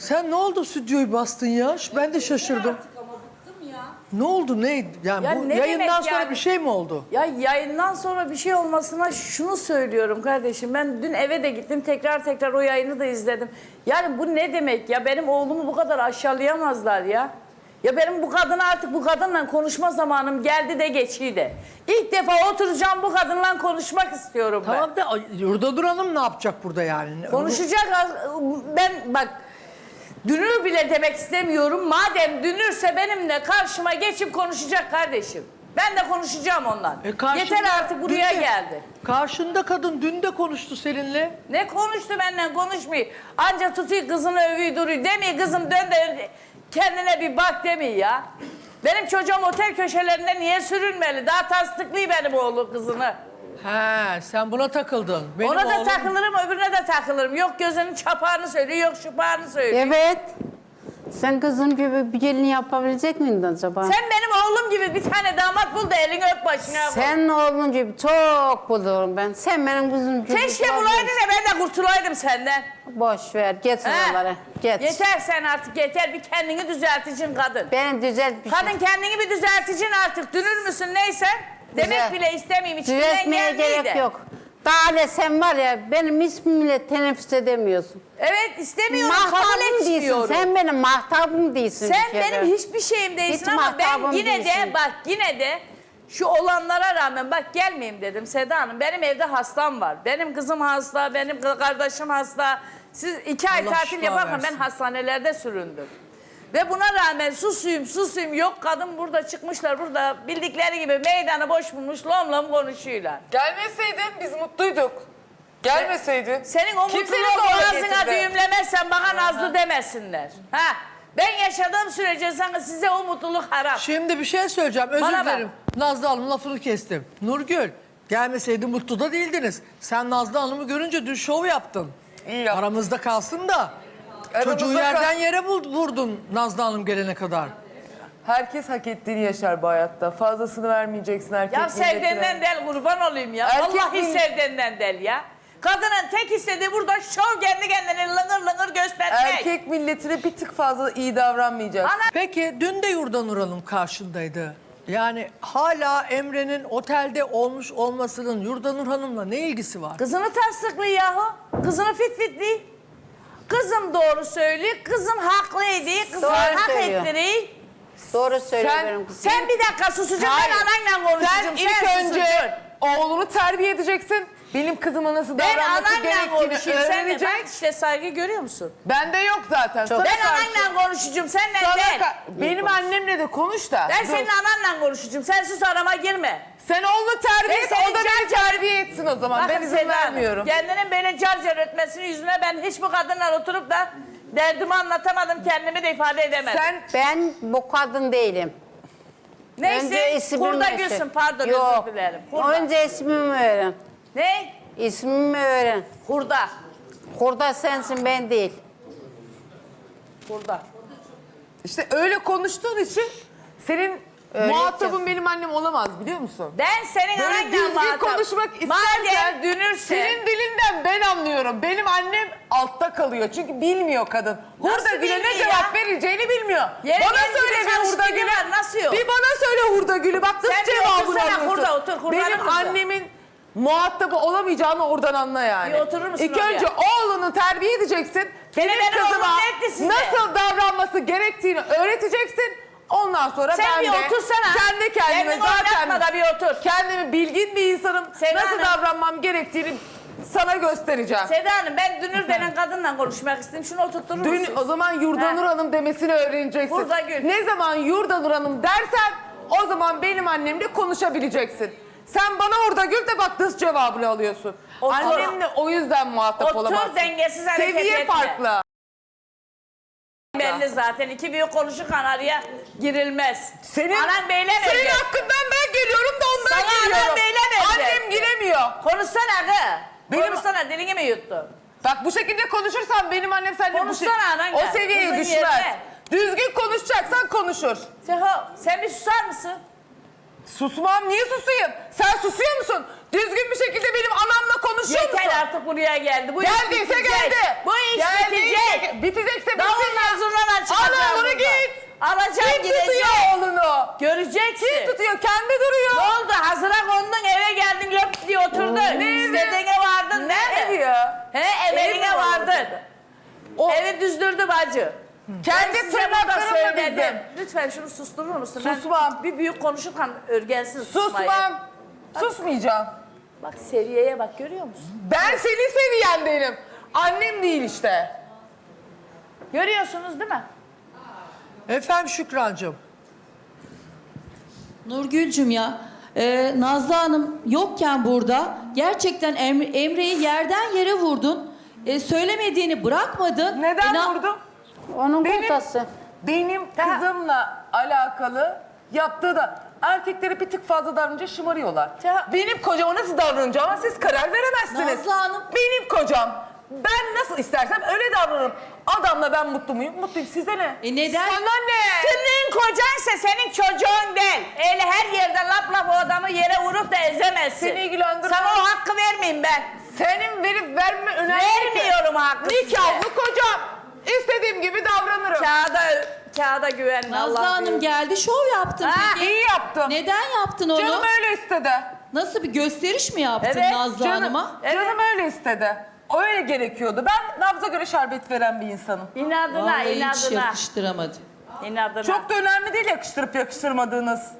Sen ne oldu stüdyoyu bastın ya? Ben de şaşırdım. Ama bıktım ya. Ne oldu ne? Yani Ya bu ne yayından demek sonra yani? bir şey mi oldu? Ya yayından sonra bir şey olmasına şunu söylüyorum kardeşim. Ben dün eve de gittim tekrar o yayını da izledim. Yani bu ne demek ya? Benim oğlumu bu kadar aşağılayamazlar ya. Ya benim bu kadına artık bu kadınla konuşma zamanım geldi de geçiydi. İlk defa oturacağım bu kadınla konuşmak istiyorum ben. Tamam da Yurdanur Hanım ne yapacak burada yani? Konuşacak. Ben bak dünür bile demek istemiyorum. Madem dünürse benimle karşıma geçip konuşacak kardeşim. Ben de konuşacağım ondan. Karşında Yeter artık buraya dün de- geldi. Karşında kadın dün de konuştu seninle. Ne konuştu benden konuşmuyor. Anca tutuyor kızını övüyor duruyor. Demiyor kızım dön de kendine bir bak demiyor ya. Benim çocuğum otel köşelerinde niye sürünmeli? Daha tasdıklıyor benim oğlu kızını. He, sen buna takıldın. Benim Ona da oğlum- takılırım öbürüne de takılırım. Yok gözünün çapağını söylüyor yok şupağını söylüyor. Evet. Sen kızın gibi bir gelin yapabilecek miydin acaba? Sen benim oğlum gibi bir tane damat bul da elini öp başına koy. Sen oğlun gibi çok bulurum ben. Sen benim kızım gibi. Keşke bulaydın da ben de kurtulaydım senden. Boş ver. Geç He? oralara. Geç. Yeter sen artık yeter bir kendini düzelticin kadın. Beni düzelt bir şey. Kadın kendini bir düzelticin artık dünür müsün neyse. Demek Güzel. bile istemeyeyim içinden Düzeltmeye gelmeyi gerek de. yok. Daha ne sen var ya benim ismimle teneffüs edemiyorsun. Evet istemiyorum kabul Mahtabım değilsin. etmiyorum. Sen benim mahtabım değilsin. Sen bir kere. benim hiçbir şeyim değilsin Hiç ama ben mahtabım yine de değilsin. bak yine de şu olanlara rağmen bak gelmeyeyim dedim Seda Hanım. Benim evde hastam var. Benim kızım hasta, benim kardeşim hasta. Siz 2 ay Allah tatil şifa yaparken versin. ben hastanelerde süründüm. Ve buna rağmen susuyum yok kadın burada çıkmışlar burada bildikleri gibi meydanı boş bulmuş lom konuşuyorlar. Gelmeseydin biz mutluyduk. Gelmeseydin. Senin o Kim seni mutluluğu zorla boğazına getirdi? düğümlemezsen bana nazlı demesinler. Ha? Ben yaşadığım sürece sana size o mutluluk haram. Şimdi bir şey söyleyeceğim. Özür Bana bak. dilerim. Nazlı Hanım lafını kestim. Nurgül, gelmeseydi mutlu da değildiniz. Sen Nazlı Hanım'ı görünce dün şov yaptın. İyi yaptın. Aramızda kalsın da. Aramızda Çocuğu kal- yerden yere vurdun Nazlı Hanım gelene kadar. Herkes hak ettiğini yaşar bu hayatta. Fazlasını vermeyeceksin erkek Ya milletine. sevdiğinden del kurban olayım ya. Erkek Vallahi millet- sevdiğinden del ya. Kadının tek istediği burada şov kendi kendine lıngır göstermek. Erkek milletine bir tık fazla iyi davranmayacaksın. Ana Peki dün de Yurdanur Hanım karşındaydı. Yani hala Emre'nin otelde olmuş olmasının Yurdanur Hanım'la ne ilgisi var? kızını tasdiklıyor yahu. Kızını fit. Kızım doğru söylüyor. Kızım haklıydı. Kızım Doğru hak söylüyor. ettiriyor. Doğru söylüyor Sen- benim kızım. Sen bir dakika susacaksın ben ananla konuşacağım. Sen ilk önce oğlunu terbiye edeceksin. Benim kızıma nasıl ben davranması ananla gerektiğini konuşayım. Sen de öğrenecek. bak işte saygı görüyor musun? Bende yok zaten. Sana Ben karşı- ananla konuşacağım. Seninle sana değil. benim annemle de konuş da. Ben Dur. senin ananla konuşacağım. Sen sus arama girme. Sen oğlunu terbiye Ben et, senin o da beni can- terbiye etsin o zaman. Ben Bakın izin Seda Hanım, vermiyorum. kendinin böyle car ötmesinin yüzüne ben hiç bu kadınla oturup da derdimi anlatamadım. Kendimi de ifade edemedim. Sen Ben bu kadın değilim. Neyse Önce ismimi kurda öğren. gülsün pardon Yok. özür dilerim. Kurda. Önce ismimi öğren. Ne? İsmimi öğren. Kurda. Kurda sensin ben değil. Kurda. işte öyle konuştuğun için senin Öyle muhatabın ki. benim annem olamaz biliyor musun? Ben senin Böyle ananla düzgün muhatap. konuşmak istersen Madem dünürse. senin dilinden ben anlıyorum. Benim annem altta kalıyor çünkü bilmiyor kadın. Hurda Nasıl Gül'e ne bilmiyor cevap ya? vereceğini bilmiyor. Yere Bana geldiğinde söyle bir Hurda çalıştığı Gül'e. var, nasıl yok? Bir bana söyle Hurda Gül'ü bak Sen nasıl bir cevabını otursana, alıyorsun. Hurda, otur, Hurda'nın Benim kızı. annemin muhatabı olamayacağını oradan anla yani. Bir oturur musun İlk oraya? önce oğlunu terbiye edeceksin. Benim ben kızıma oğlum ne etti size? nasıl davranması gerektiğini öğreteceksin. Ondan sonra Sen ben bir de otursana. kendi kendime Kendini oynatma da bir otur. kendimi bilgin bir insanım. Seda nasıl Hanım. davranmam gerektiğini sana göstereceğim. Seda Hanım ben dünür denen kadınla konuşmak istedim. Şunu oturtturur Dün musun? o zaman Yurdanur Ha. Hanım demesini öğreneceksin. Hurda Gül. Ne zaman Yurdanur Hanım dersen o zaman benim annemle konuşabileceksin. Sen bana Hurda Gül de bak nasıl cevabını alıyorsun. Otur. Annemle o yüzden muhatap Otur, olamazsın. dengesiz hareket Seviye etme. farklı. Belli zaten. İki büyük konuşurken araya girilmez. Senin, Anan beyleme. senin hakkından ben geliyorum da ondan Sana anan geliyorum. beyleme. Annem giremiyor. Konuşsana kız. Benim- Konuşsana dilini mi yuttun? Bak bu şekilde konuşursan benim annem seninle Konuşsana anan o gel. seviyeye Kızın düşmez. yerine. Düzgün konuşacaksan konuşur. Seho sen bir susar mısın? Susmam, niye susayım? Sen susuyor musun? Düzgün bir şekilde benim anamla konuşuyor musun? Yeter artık buraya geldi. Bu iş Geldiyse bitecek. geldi. Bu iş Geldiyse bitecek. bitecekse Davulun bitsin. zurnana çıkacağım Al oğlunu burada. git. Alacağım Kim gidecek. tutuyor oğlunu? Göreceksin. Kim tutuyor? Kendi duruyor. Ne oldu? Hazıra kondun, eve geldin, löp diye oturdun. Ne evi? İstediğine vardın. Ne nerede? evi ya? He, Evi evine mi var vardın. O Evi düzdürdü bacı. kendi Ben size burada tırnaklarımla söyledim. dizdim. Lütfen şunu susturur musun? Susmam. Ben bir büyük konuşurken örgensin susmayı. Susmam. Susmayacağım. Bak seviyeye bak, görüyor musun? Ben senin seviyendenim. Annem değil işte. Görüyorsunuz değil mi? Efendim Şükrancığım. Nurgül'cüm ya, Nazlı Hanım yokken burada gerçekten Emre'yi yerden yere vurdun. Söylemediğini bırakmadın. Neden vurdum? Onun Benim- kocası. Benim kızımla alakalı yaptığı da erkekleri bir tık fazla davranınca şımarıyorlar. Benim kocama nasıl davranacağıma siz karar veremezsiniz. Nazlı Hanım. Benim kocam. Ben nasıl istersem öyle davranırım. Adamla ben mutlu muyum? Mutluyum. Size ne? Neden? Sana ne? Senin kocansa senin çocuğun değil. Öyle her yerde lap lap o adamı yere vurup da ezemezsin. Seni ilgilendirmez. Sana o hakkı vermeyeyim ben. Senin verip verme önemli değil ki. Vermiyorum hakkı size. Nikahlı kocam. İstediğim gibi davranırım. Kağıda güvenme. Nazlı Allah Hanım büyük. geldi, şov yaptın Ha, peki. İyi yaptım. Neden yaptın onu? Canım öyle istedi. Nasıl bir gösteriş mi yaptın Evet, Nazlı Hanım'a? Evet. Canım öyle istedi. Öyle gerekiyordu. Ben nabza göre şerbet veren bir insanım. İnadına, Vallahi hiç inadına. yakıştıramadı. İnadına. Çok da önemli değil yakıştırıp yakıştırmadığınız.